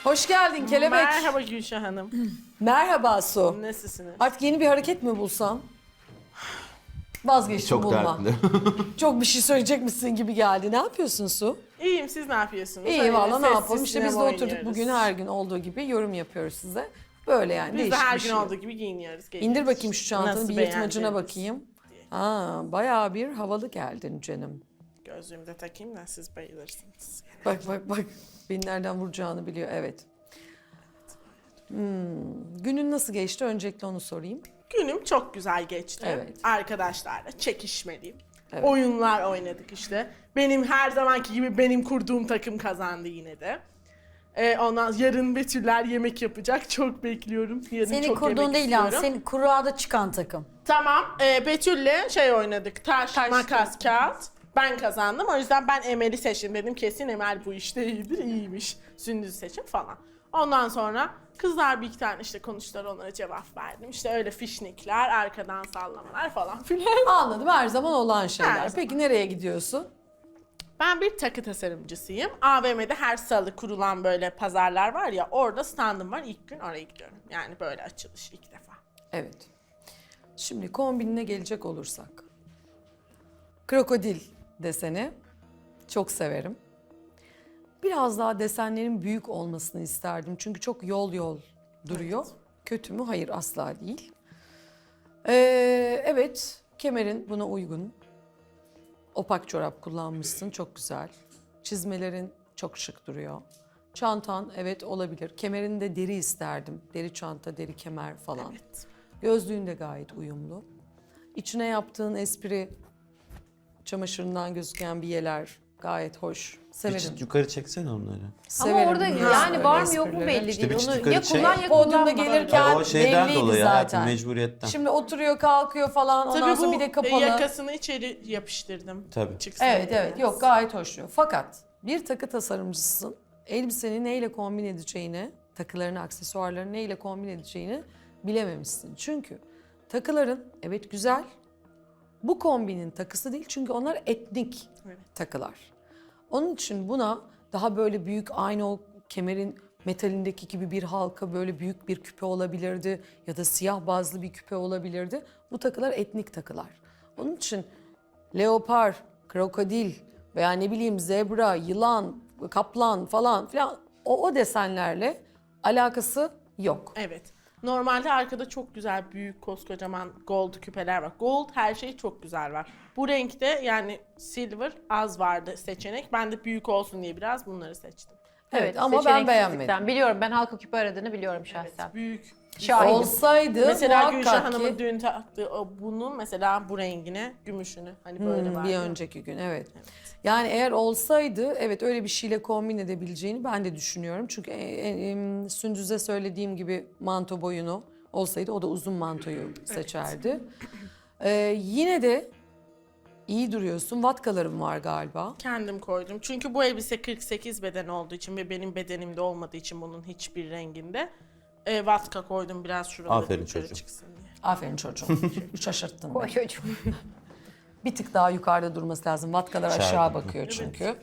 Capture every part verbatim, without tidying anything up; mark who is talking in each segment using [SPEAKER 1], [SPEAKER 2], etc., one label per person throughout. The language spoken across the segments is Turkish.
[SPEAKER 1] Hoş geldin kelebek.
[SPEAKER 2] Merhaba Gülşah Hanım.
[SPEAKER 1] Merhaba Su.
[SPEAKER 2] Nasılsınız?
[SPEAKER 1] Artık yeni bir hareket mi bulsam? Vazgeçtim
[SPEAKER 3] Çok
[SPEAKER 1] bulma.
[SPEAKER 3] dertli.
[SPEAKER 1] Çok bir şey söyleyecekmişsin gibi geldi. Ne yapıyorsun Su?
[SPEAKER 2] İyiyim, siz ne yapıyorsunuz?
[SPEAKER 1] İyi
[SPEAKER 2] Öyle
[SPEAKER 1] valla ne
[SPEAKER 2] sessiz
[SPEAKER 1] yapalım? İşte biz de
[SPEAKER 2] sinema
[SPEAKER 1] oturduk
[SPEAKER 2] oynuyoruz.
[SPEAKER 1] bugün her gün olduğu gibi yorum yapıyoruz size. Böyle yani
[SPEAKER 2] Biz de
[SPEAKER 1] değişik
[SPEAKER 2] her
[SPEAKER 1] bir
[SPEAKER 2] gün
[SPEAKER 1] şey.
[SPEAKER 2] olduğu gibi giyiniyoruz. geliyoruz.
[SPEAKER 1] İndir bakayım şu çantanı
[SPEAKER 2] Nasıl
[SPEAKER 1] bir yırtmacına
[SPEAKER 2] beğendiniz
[SPEAKER 1] bakayım.
[SPEAKER 2] diye.
[SPEAKER 1] Aa, bayağı bir havalı geldin canım.
[SPEAKER 2] Gözlüğümü de takayım da siz bayılırsınız.
[SPEAKER 1] Bak bak bak. Beni nereden vuracağını biliyor. Evet. Hmm. Günün nasıl geçti? Öncelikle onu sorayım.
[SPEAKER 2] Günüm çok güzel geçti.
[SPEAKER 1] Evet.
[SPEAKER 2] Arkadaşlarla çekişmeliyim.
[SPEAKER 1] Evet.
[SPEAKER 2] Oyunlar oynadık işte. Benim her zamanki gibi benim kurduğum takım kazandı yine de. Ee, ondan yarın Betüller yemek yapacak. Çok bekliyorum. Yarın
[SPEAKER 4] Senin
[SPEAKER 2] çok
[SPEAKER 4] kurduğun
[SPEAKER 2] yemek
[SPEAKER 4] değil yani,
[SPEAKER 2] istiyorum.
[SPEAKER 4] senin kuruada çıkan takım.
[SPEAKER 2] Tamam. E, Betül'le şey oynadık. Taş,
[SPEAKER 4] Taş,
[SPEAKER 2] makas, kağıt. Ben kazandım. O yüzden ben Emel'i seçtim. Dedim kesin Emel bu işte iyidir. İyiymiş. Sündüz'ü seçin falan. Ondan sonra kızlar bir iki tane işte konuştular. Onlara cevap verdim. İşte öyle fişnikler, arkadan sallamalar falan filan.
[SPEAKER 1] Anladım. Her zaman olan şeyler.
[SPEAKER 2] Her zaman.
[SPEAKER 1] Peki nereye gidiyorsun?
[SPEAKER 2] Ben bir takı tasarımcısıyım. A V M'de her salı kurulan böyle pazarlar var ya. Orada standım var. İlk gün oraya gidiyorum. Yani böyle açılış ilk defa.
[SPEAKER 1] Evet. Şimdi kombinine gelecek olursak. Krokodil deseni çok severim. Biraz daha desenlerin büyük olmasını isterdim. Çünkü çok yol yol duruyor. Kötü mü? Hayır, asla değil. Ee, evet, kemerin buna uygun. Opak çorap kullanmışsın, çok güzel. Çizmelerin çok şık duruyor. Çantan evet olabilir. Kemerinde deri isterdim. Deri çanta, deri kemer falan.
[SPEAKER 2] Evet.
[SPEAKER 1] Gözlüğün de gayet uyumlu. İçine yaptığın espri, çamaşırından gözüken biyeler gayet hoş.
[SPEAKER 3] Bir
[SPEAKER 1] Severim.
[SPEAKER 3] çıt yukarı çeksene onları.
[SPEAKER 1] Severim.
[SPEAKER 4] Ama orada
[SPEAKER 1] biliyorsun
[SPEAKER 4] yani
[SPEAKER 1] öyle
[SPEAKER 4] var mı yok mu
[SPEAKER 1] esprileri.
[SPEAKER 4] belli
[SPEAKER 3] İşte
[SPEAKER 4] değil.
[SPEAKER 3] bir çıt
[SPEAKER 4] Onu
[SPEAKER 3] yukarı
[SPEAKER 4] ya
[SPEAKER 3] çek.
[SPEAKER 4] kullan ya
[SPEAKER 1] Podyumda
[SPEAKER 4] kullanma.
[SPEAKER 1] gelirken
[SPEAKER 3] O şeyden
[SPEAKER 1] belliydi
[SPEAKER 3] dolayı
[SPEAKER 1] zaten.
[SPEAKER 3] hayatım, mecburiyetten.
[SPEAKER 1] Şimdi oturuyor, kalkıyor falan. Ondan
[SPEAKER 2] Tabii
[SPEAKER 1] sonra
[SPEAKER 2] bu
[SPEAKER 1] bir de
[SPEAKER 2] e,
[SPEAKER 1] kapalı.
[SPEAKER 2] yakasını içeri yapıştırdım.
[SPEAKER 3] Tabii.
[SPEAKER 2] Çıksın
[SPEAKER 1] Evet
[SPEAKER 2] diye.
[SPEAKER 1] evet yok gayet hoş duruyor. Fakat bir takı tasarımcısın. Elbiseni neyle kombin edeceğini, takılarını, aksesuarlarını neyle kombin edeceğini bilememişsin. Çünkü takıların evet güzel. Bu kombinin takısı değil çünkü onlar etnik
[SPEAKER 2] Evet.
[SPEAKER 1] takılar. Onun için buna daha böyle büyük aynı o kemerin metalindeki gibi bir halka böyle büyük bir küpe olabilirdi ya da siyah bazlı bir küpe olabilirdi. Bu takılar etnik takılar. Onun için leopar, krokodil veya ne bileyim zebra, yılan, kaplan falan filan o, o desenlerle alakası yok.
[SPEAKER 2] Evet. Normalde arkada çok güzel büyük koskocaman gold küpeler var. Gold her şey çok güzel var. Bu renkte yani silver az vardı seçenek. Ben de büyük olsun diye biraz bunları seçtim.
[SPEAKER 1] Evet, ama ben
[SPEAKER 5] seçeneksizlikten.
[SPEAKER 1] beğenmedim.
[SPEAKER 5] Biliyorum, ben halka küpe aradığını biliyorum şahsen.
[SPEAKER 2] Büyük.
[SPEAKER 5] Şahidim.
[SPEAKER 1] Olsaydı
[SPEAKER 2] Mesela Gülşah
[SPEAKER 1] muhakkak
[SPEAKER 2] Hanım'ın
[SPEAKER 1] ki
[SPEAKER 2] dün taktığı o bunun mesela bu rengine, gümüşünü hani böyle
[SPEAKER 1] Hmm,
[SPEAKER 2] var.
[SPEAKER 1] bir önceki gün evet. Yani eğer olsaydı evet öyle bir şeyle kombin edebileceğini ben de düşünüyorum. Çünkü e, e, e, Sündüz'e söylediğim gibi manto boyunu olsaydı o da uzun mantoyu seçerdi. Ee, yine de iyi duruyorsun. Vatkalarım var galiba.
[SPEAKER 2] Kendim koydum. Çünkü bu elbise kırk sekiz beden olduğu için ve benim bedenimde olmadığı için bunun hiçbir renginde e, vatka koydum biraz şuraları
[SPEAKER 3] Aferin
[SPEAKER 2] yukarı
[SPEAKER 3] çocuğum.
[SPEAKER 2] çıksın diye.
[SPEAKER 1] Aferin çocuğum. Şaşırttın
[SPEAKER 5] Koy
[SPEAKER 1] beni.
[SPEAKER 5] çocuğum.
[SPEAKER 1] Bir tık daha yukarıda durması lazım. Vatkalar
[SPEAKER 3] Aşağı
[SPEAKER 1] aşağı
[SPEAKER 3] bakıyor.
[SPEAKER 1] bakıyor çünkü.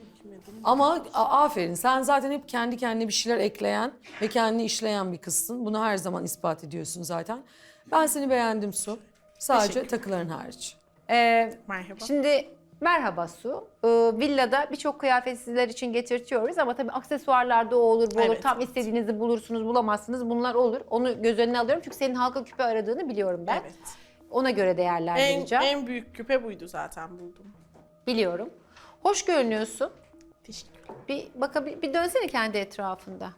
[SPEAKER 1] Ama a- aferin sen zaten hep kendi kendine bir şeyler ekleyen ve kendini işleyen bir kızsın. Bunu her zaman ispat ediyorsun zaten. Ben seni beğendim Su. Sadece
[SPEAKER 2] Teşekkür.
[SPEAKER 1] takıların hariç.
[SPEAKER 5] Ee,
[SPEAKER 2] Merhaba.
[SPEAKER 5] şimdi merhaba Su. Ee, villada birçok kıyafet sizler için getirtiyoruz ama tabii aksesuarlarda o olur bu olur.
[SPEAKER 2] Evet,
[SPEAKER 5] Tam
[SPEAKER 2] evet.
[SPEAKER 5] istediğinizi bulursunuz bulamazsınız. Bunlar olur. Onu göz önüne alıyorum çünkü senin halka küpe aradığını biliyorum ben.
[SPEAKER 2] Evet.
[SPEAKER 5] Ona göre
[SPEAKER 2] En,
[SPEAKER 5] değerlendireceğim.
[SPEAKER 2] en büyük küpe buydu zaten buldum.
[SPEAKER 5] Biliyorum. Hoş görünüyorsun.
[SPEAKER 2] Teşekkürler.
[SPEAKER 5] Bir bakabil bir dönsene kendi etrafında.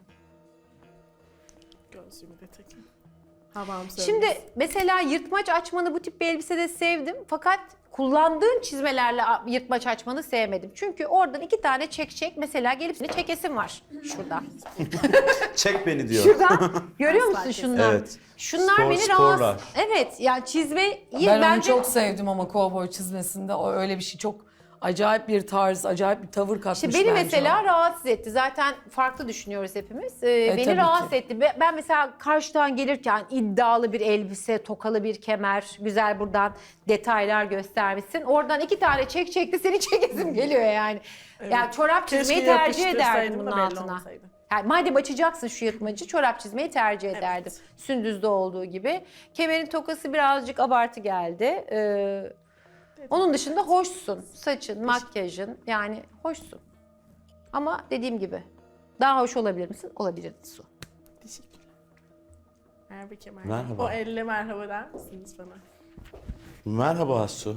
[SPEAKER 2] Gözlüğümü de takayım. Havam
[SPEAKER 5] Şimdi mesela yırtmaç açmanı bu tip bir elbisede sevdim. Fakat kullandığın çizmelerle a- yırtmaç açmanı sevmedim. Çünkü oradan iki tane çek çek mesela gelip seni çekesim var şuradan.
[SPEAKER 3] Çek beni diyor.
[SPEAKER 5] Şuradan görüyor
[SPEAKER 2] Asla
[SPEAKER 5] musun
[SPEAKER 2] kesin.
[SPEAKER 5] şundan?
[SPEAKER 3] Evet.
[SPEAKER 5] Şunlar
[SPEAKER 3] Spor-
[SPEAKER 5] beni
[SPEAKER 3] sporlar.
[SPEAKER 5] rahatsız. Evet yani çizmeyi
[SPEAKER 1] Ben
[SPEAKER 5] bence
[SPEAKER 1] onu çok sevdim ama kovboy çizmesinde o öyle bir şey çok acayip bir tarz, acayip bir tavır katmış
[SPEAKER 5] İşte beni
[SPEAKER 1] bence
[SPEAKER 5] mesela
[SPEAKER 1] o.
[SPEAKER 5] rahatsız etti. Zaten farklı düşünüyoruz hepimiz. Ee,
[SPEAKER 1] E, tabii
[SPEAKER 5] beni rahatsız
[SPEAKER 1] ki.
[SPEAKER 5] etti. Be- Ben mesela karşıdan gelirken iddialı bir elbise, tokalı bir kemer, güzel buradan detaylar göstermişsin. Oradan iki tane çek çekti, seni çekesim geliyor yani. Yani çorap çizmeyi tercih ederdim bunun
[SPEAKER 2] da belli
[SPEAKER 5] altına.
[SPEAKER 2] olmasaydı.
[SPEAKER 5] Yani madem açacaksın şu yırtmacı, çorap çizmeyi tercih ederdim. Sündüz'de olduğu gibi. Kemerin tokası birazcık abartı geldi. Ee, onun dışında hoşsun. Saçın, makyajın, yani hoşsun. Ama dediğim gibi daha hoş olabilir misin? Olabilirdin Su.
[SPEAKER 2] Teşekkürler. Merhaba Kemal.
[SPEAKER 3] Merhaba.
[SPEAKER 2] O elle merhaba der misiniz bana?
[SPEAKER 3] Merhaba Su.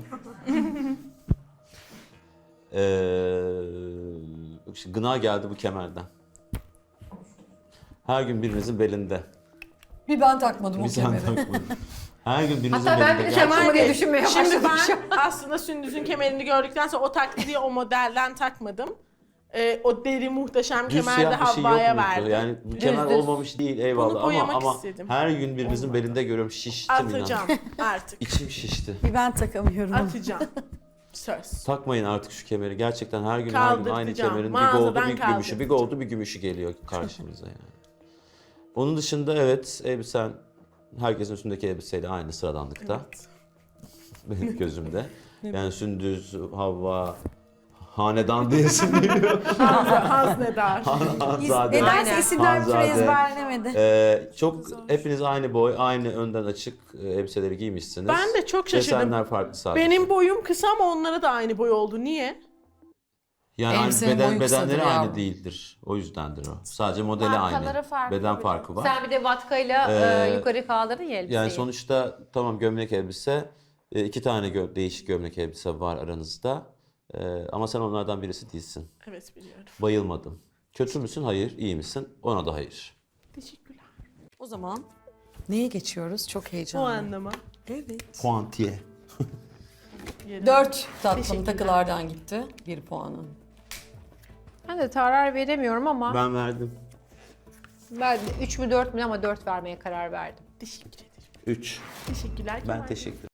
[SPEAKER 3] ee, işte gına geldi bu kemerden. Her gün birinizin belinde.
[SPEAKER 1] Bir ben takmadım o
[SPEAKER 3] Bir sen
[SPEAKER 1] kemeri.
[SPEAKER 3] takmadın. Her gün birinizin
[SPEAKER 5] Hatta ben
[SPEAKER 3] belinde.
[SPEAKER 5] bir de kemer
[SPEAKER 3] gerçekten-
[SPEAKER 5] diye düşünmeye
[SPEAKER 2] Şimdi
[SPEAKER 5] başladım.
[SPEAKER 2] ben aslında Sündüz'ün kemerini gördükten sonra o taktı diye o modelden takmadım. Ee, o deri muhteşem
[SPEAKER 3] Düz
[SPEAKER 2] kemer de
[SPEAKER 3] siyah bir şey yok
[SPEAKER 2] Havva'ya
[SPEAKER 3] muydu?
[SPEAKER 2] verdim.
[SPEAKER 3] Yani bu kemer
[SPEAKER 5] düz.
[SPEAKER 3] olmamış değil eyvallah ama
[SPEAKER 2] boyamak
[SPEAKER 3] ama
[SPEAKER 2] istedim.
[SPEAKER 3] her gün birinizin belinde görüyorum şiştim inan.
[SPEAKER 2] Atacağım artık.
[SPEAKER 3] İçim şişti.
[SPEAKER 4] Bir ben takamıyorum.
[SPEAKER 2] Atacağım. Söz.
[SPEAKER 3] Takmayın artık şu kemeri. Gerçekten her gün her gün aynı
[SPEAKER 2] Kaldırtacağım.
[SPEAKER 3] kemerin bir
[SPEAKER 2] Mağazadan
[SPEAKER 3] goldu bir gümüşü, bir
[SPEAKER 2] kaldırtacağım.
[SPEAKER 3] goldu bir gümüşü geliyor karşımıza yani. Onun dışında evet elbisen herkesin üstündeki elbiseyle aynı sıradanlıkta. Benim gözümde. Yani Sündüz, Havva, hanedan diyesim geliyor.
[SPEAKER 2] Haznedar.
[SPEAKER 3] Hanzade.
[SPEAKER 4] Nedense isimler bir türlü
[SPEAKER 3] Hanzade.
[SPEAKER 4] ezberlenemedi.
[SPEAKER 3] Ee, çok hepiniz aynı boy, aynı önden açık e, elbiseleri giymişsiniz.
[SPEAKER 2] Ben de çok şaşırdım.
[SPEAKER 3] Desenler farklı sadece.
[SPEAKER 2] Benim boyum kısa ama onlara da aynı boy oldu. Niye?
[SPEAKER 3] yani aynı
[SPEAKER 1] Elbisenin
[SPEAKER 3] beden,
[SPEAKER 1] boyu kısadır
[SPEAKER 3] bedenleri
[SPEAKER 1] ya.
[SPEAKER 3] aynı değildir. O yüzdendir o. Sadece modeli
[SPEAKER 5] Markaları
[SPEAKER 3] aynı.
[SPEAKER 5] farklı
[SPEAKER 3] Beden
[SPEAKER 5] bir-
[SPEAKER 3] farkı var.
[SPEAKER 5] Sen bir de vatkayla
[SPEAKER 3] Ee,
[SPEAKER 5] e, yukarı kaldırdın ya elbiseyi.
[SPEAKER 3] Yani sonuçta tamam gömlek elbise, e, iki tane gö- değişik gömlek elbise var aranızda. E, ama sen onlardan birisi değilsin.
[SPEAKER 2] Evet biliyorum.
[SPEAKER 3] Bayılmadım. Kötü müsün? Hayır. İyi misin? Ona da hayır.
[SPEAKER 2] Teşekkürler.
[SPEAKER 1] O zaman neye geçiyoruz? Çok
[SPEAKER 2] O
[SPEAKER 1] heyecanlı.
[SPEAKER 2] anlama.
[SPEAKER 1] Evet.
[SPEAKER 3] Puantiye.
[SPEAKER 2] Yerim.
[SPEAKER 1] Dört tatlım
[SPEAKER 2] Teşekkürler.
[SPEAKER 1] takılardan gitti. Bir puanın.
[SPEAKER 5] Ben de karar veremiyorum ama ben,
[SPEAKER 3] Ben verdim.
[SPEAKER 5] de üç mü dört mü ama dört vermeye karar verdim.
[SPEAKER 2] Teşekkür ederim.
[SPEAKER 3] Üç.
[SPEAKER 2] Teşekkürler Kemal.
[SPEAKER 3] Ben teşekkür